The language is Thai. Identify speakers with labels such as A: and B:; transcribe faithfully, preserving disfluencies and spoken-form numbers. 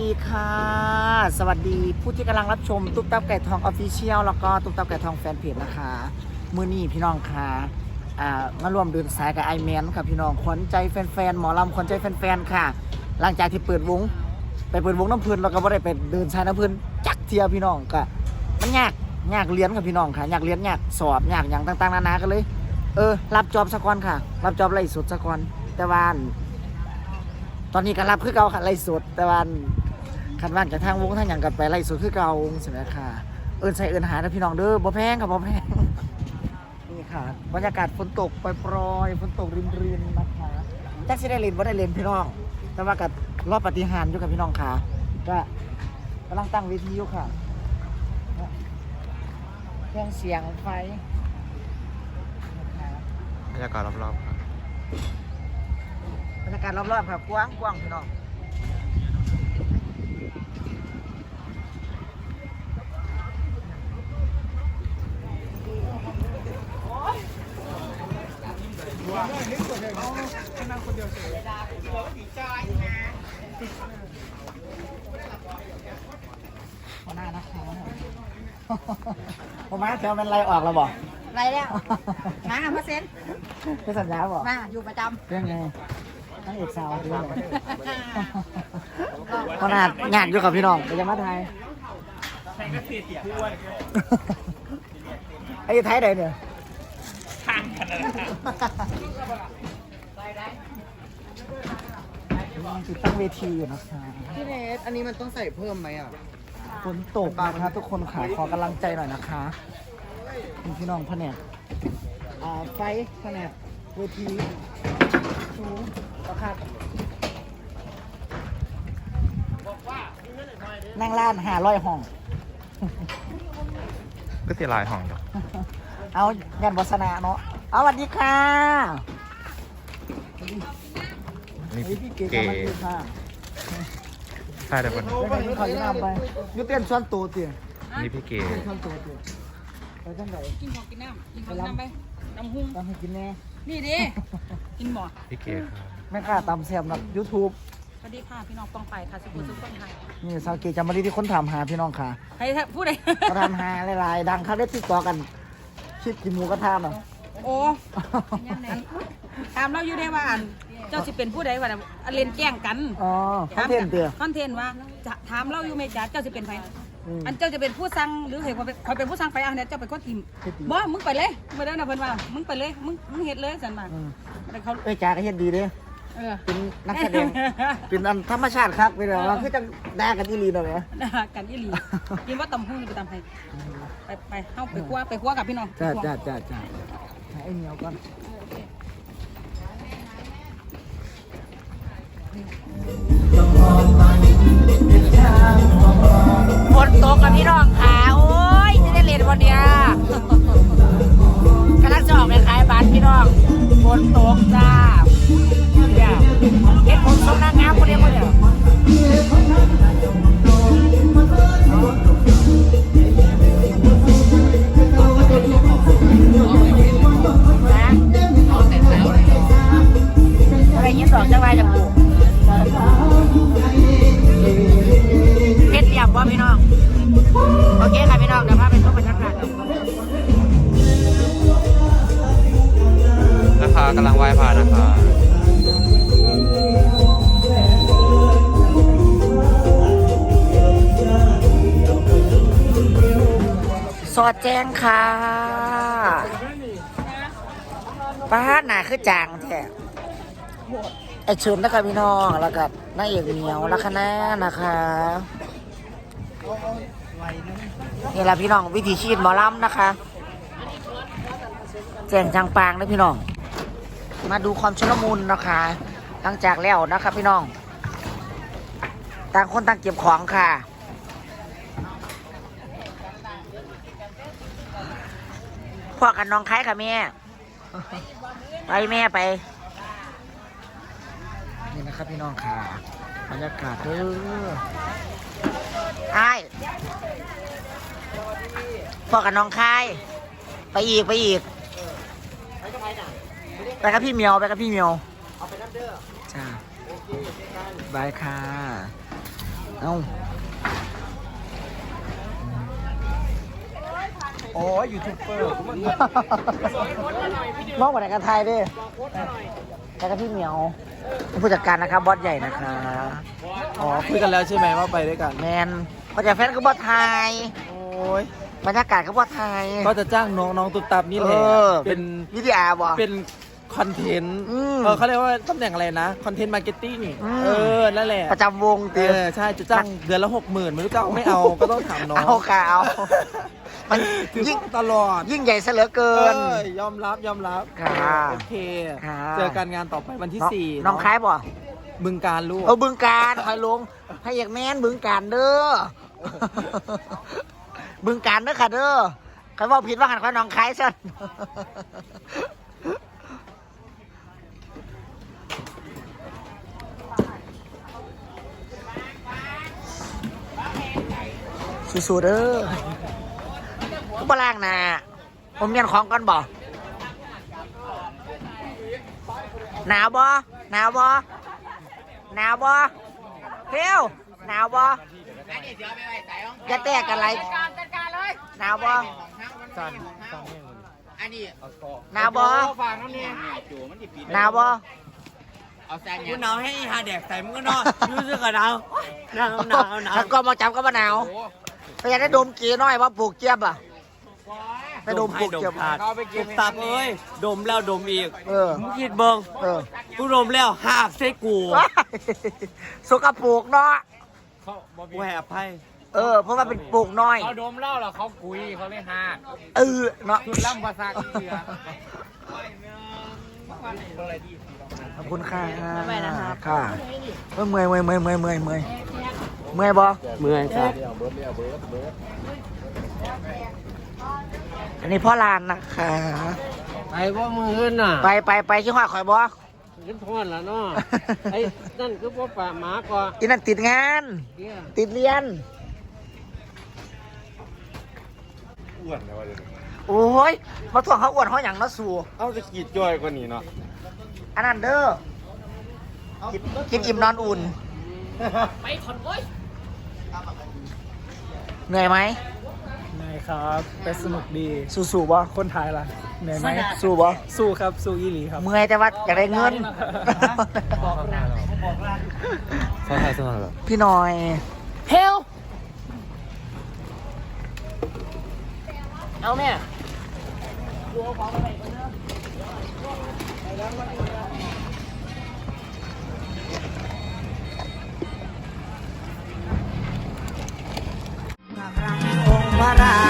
A: ดีค่ะสวัสดีผู้ที่กำลังรับชมตุ๊กตับไก่ทองออฟฟิเชียลแล้วก็ตุ๊กตับไก่ทองแฟนเพจนะคะมือนี้พี่น้องค่ะอ่ามารวมเดินสายกับไอแมนค่ะพี่น้องขวัญใจแฟนๆหมอลำขวัญใจแฟนๆค่ะหลังจากที่เปิดวงไปเปิดวงน้ำเพลินเราก็ไม่ได้ไปเดินสายน้ำเพลินจักเทียพี่น้องก็มันยากยากเรียนค่ะพี่น้องค่ะยากเรียนยากสอบยากอย่างต่างๆนานากันเลยเออรับจอบสักวันค่ะรับจอบไล่สดสักวันแต่ว่าตอนนี้ก็รับคือเก่าค่ะไล่สดแต่ว่าขันว่างจากทางวงทางอย่างกับไปไล่สดคือเก่าใช่ไหมค่ะเอิญใส่เอิญหานะพี่น้องเด้อบ่แพงค่ะบ่แพงนี่ค่ะบรรยากาศฝนตกปล่อยๆฝนตกรินๆนะคะแจ็คสิได้เล่นบ่ได้เล่นพี่น้องแต่ว่ากับรอบปฏิหารอยู่กับพี่น้องค่ะก็กำลังตั้งเวทีอยู่ค่ะเครื่องเสียงไฟ
B: บรรยากาศรอบๆครับ
A: บรรยากาศรอบๆครับกว้างกว้างพี่น้องหัวหน้านะคะผมมาเที่ยวเป็นไรออกแล้วบอก
C: ไรแล้วมาเปอร์เซ็นต์
A: เป็นสัญญาบอก
C: มาอยู่ประจ
A: เรื่องไงทั้งเอกสาวด้วยขนาดงานอยู่กับพี่น้องไปยังมาไทยไอ้ไทยใดเนี่ยทางกันนะติดตั้งเวทีอยู่นะคะ
D: พี่เนสอันนี้มันต้องใส่เพิ่มไหมอ่ะ
A: ฝนตกนะคะทุกคนขาขอกำลังใจหน่อยนะคะคุณพี่น้องแผนกอ่าไฟแผนกเวทีสูงราคานั่งร้านหาร้อยห้อง
B: ก็เสียลายห้องอยู่
A: เอางานวัสนาเนาะเอาสวัสดีค่ะ
B: นี่
A: เฮ้ยพี่เก๋
B: เก๋
A: มาดีค่ะ
B: ใช่แต่คน
A: ไปไหนขอยืมไปยูเต้นส่วนตัวเตี๋ย
B: นี่พี่เก๋
A: เต้นส่วนตัวเตี๋ยไปจังไหน
C: ำกินของกินน้ำกินของน้ำไปน้ำหุ้ง
A: ต้องให้กินแน่
C: นี่ดิกินหมด
B: พี่เก๋ครับ
A: แม่ค้าตำแซ่บนะยูทูบ
C: สวัสดีค่ะพี่น้องปองไปค่ะสุขุมสุขคนไทย
A: นี่สาวเกจามารีที่คนถามหาพี่น้องค่ะ
C: ใครพูดอะไร
A: เขาถามหาหลายๆดังเขาได้ติดต่อกันคิดกินหมูกระทะเนาะ
C: โอ้ถามเราอยู่ได้ว่าเจ้าสิเป็นผู้ใดวะอันเล่นแกล้งกัน
A: อ๋อคอนเทนต์เตี๋ย
C: คอนเทนต์ว่าจะถามเราอยู่ไหมจ๊ะเจ้าสิเป็นใคร
A: อืม
C: อันเจ้าจะเป็นผู้สั่งหรือเห็นว่าคอยเป็นผู้สั่งไปอ่ะเนี่ยเจ้าเป็นคนทีมบ่มึงไปเลยไม่ได้นะเพิ่นว่ามึงไปเลยมึงมึงเฮ็ดเลยสันมา
A: อืม
C: แต่เขา
A: เอ้ยจ่าก็เฮ็ดดีเด้
C: เออ
A: เป็นนักแสดง เป็นอันธรรมชาติครับเป็นแบบว่าคือจะด่ากันอีหลีหน่อยนะ
C: กันอีหลีกินว่าตำหุ้งไปตำไทยไปไปเข้าไปคั่วไปคั่วกับพี่น้อง
A: จ้าจ้าจ้าจ้าหาไอ้เหนียวก่อนฝนตกกับพี่น้องขาโอ้ยจะได้เรียนวันเนี้ยกำลังจะออกไปขายบัตรพี่น้องฝนตกจ้าเนี่ยเห็นผมทรงนางงามคนเดียวคนเดียวอะไรยิ้มดอกจังไรจังกูเพชรเดียบว่าพี่น้องโอเคค่ะพี่น้องเดี๋ยวพาไปชมบรรยากาศ
B: นะคะกำลังไหว้พระนะคะ
A: สอดแจ้งค่ะป้าหนาคือจางแท้ไอเชิญนะคะพี่น้องแล้วกับนายเอกเหนียวลัคนานะคะนี่แหละพี่น้องวิถีชีวิตหมอลำนะคะแจ้งจางปางนะพี่น้องมาดูความชุลมุนนะคะหลังจากแล้วนะคะพี่น้องต่างคนต่างเก็บของค่ะพ่อกันน้องคล้ายค่ะแม่ไปแม่ไปนี่นะครับพี่น้องค่ะบรรยากาศเด้อไอ้พ่อกันน้องคล้ายไปอีกไปอีกไปกับพี่เมียวไปกับพี่เมียวเอาไปนับเด้อจ้าบายค่ะเอ้า
D: โอ้ยยูทูบเบอร์
A: มองกว่าไหนกันไทยดิแล้วก็พี่เหมียวผู้จัดการนะครับบอสใหญ่นะคะ
D: อ๋อคุยกันแล้วใช่ไหมว่าไปด้วยกัน
A: แมนผู้จัดแฟนก็บอสไทย
D: โอ้ย
A: บรรยากาศก็บอสไทย
D: ก็จะจ้างน้องน้องตุ๊บตับนี่แห
A: เอ
D: ละ
A: อ
D: เป็น
A: วิทยาบอ
D: เป็นคอนเทนต์
A: อืม
D: เออเขาเรียกว่าตำแหน่งอะไรนะคอนเทนต์มาร์เก็ตติ้ง
A: อืม
D: เออนั่นแหละ
A: ประจำวง
D: เอ
A: ตี
D: อใช่จะจ้างเดือนละหกหมื่นไม่รู้จะเอาไม่เอาก็ต้องถามน้อง
A: เอาค่ะเอามัน
D: คือ
A: ยิ่ง
D: ตลอด
A: ยิ่งใหญ่ซะเหลือเกิ
D: เอน อยอมรับยอมรับ
A: ค่ะ
D: โอเค
A: ค่ะ
D: เจอกันงานต่อไปวันที่
A: น้อง
D: สี่
A: น้อง
D: เะ
A: คล้ายบ่
D: บึงการลูก
A: เออบึงการคอยลงให้อยากแม่นบึงการเด้อ บึงการเด้อค่ะเด้อใครว่าผิดว่าหันข้อน้องคล้ายสั่น สู้ๆเด้อกูบล่างหนะผมเมียนของก่อนบ่หนาวบ่หนาวบ่หนาวบ่เพียวหนาวบ่อย่าแตกกันไรหนาวบ่หนาวบ่หนาวบ่
D: กูหนาวให้หาแดกใส่มึงก็นอนรู้สึกกับหนาวหนาวหนาวหนาว
A: ถ้าก็มาจับก็มาหนาวไปอยากได้ดมกีน้อยว่าปลูกเจี๊ยบอ่ะไปดมปลูกเจี๊ยบ
D: ตุ๊บตับเอ้ยดมแล้วดมอีก
A: เออ
D: มึงคิดเบิ่ง
A: เออ
D: กูดมแล้วหากใส่กู
A: สกปรกเนาะ
D: กูให้อภัย
A: เออ เพราะว่าเป็นปลูกน้อย
B: เขาดมเหล้าแล้วเขากุยเขาเลยหัก
A: เออเนาะ
B: สุดล่ำภาษาอีเสือ
A: ขอบคุณค่ะไม่นะครับค่ะเมื่อยเมื่อยเมื่อยเมื่อยเมื่อยเมื่อยเมื่อยเมื่อยบ่
D: เมื่อยจ้ะ
A: อันนี้พ่อลานนะคะ
D: ไปว่ามือขึ้นน่ะ
A: ไปไปไปที่ห้าข่อยบ่
D: ขึ้นทอนแล้วเนาะไอ้นั่นคือว่าป่าหมาก่อน
A: อีนั่นติดงาน ติดเรียน
B: อ้วนเลยวะเดี๋ยวนี้
A: โอ้ยมาถ่วงเขาอ้วนเขาอย่างละสู่
B: เอาจะกีดย่อยกว่านี้เนาะ
A: อันนั้นเด้อกินกินอิ่มนอนอุ่น
C: ไปถอนโอ้ย
A: เหนื่อยไหม
E: นายครับแต่สนุกดี
A: สู้สู้บ่
E: คนไทยล่ะเหนื่อยไหม
A: สู้บ่
E: สู้ครับ สู้อีหลีครับ
A: เมื่อยแต่ว่าอยากได้เงิน
B: ใช่ใช่ใช่เหรอ
A: พี่หน่อยเฮลเอาแม่พระรา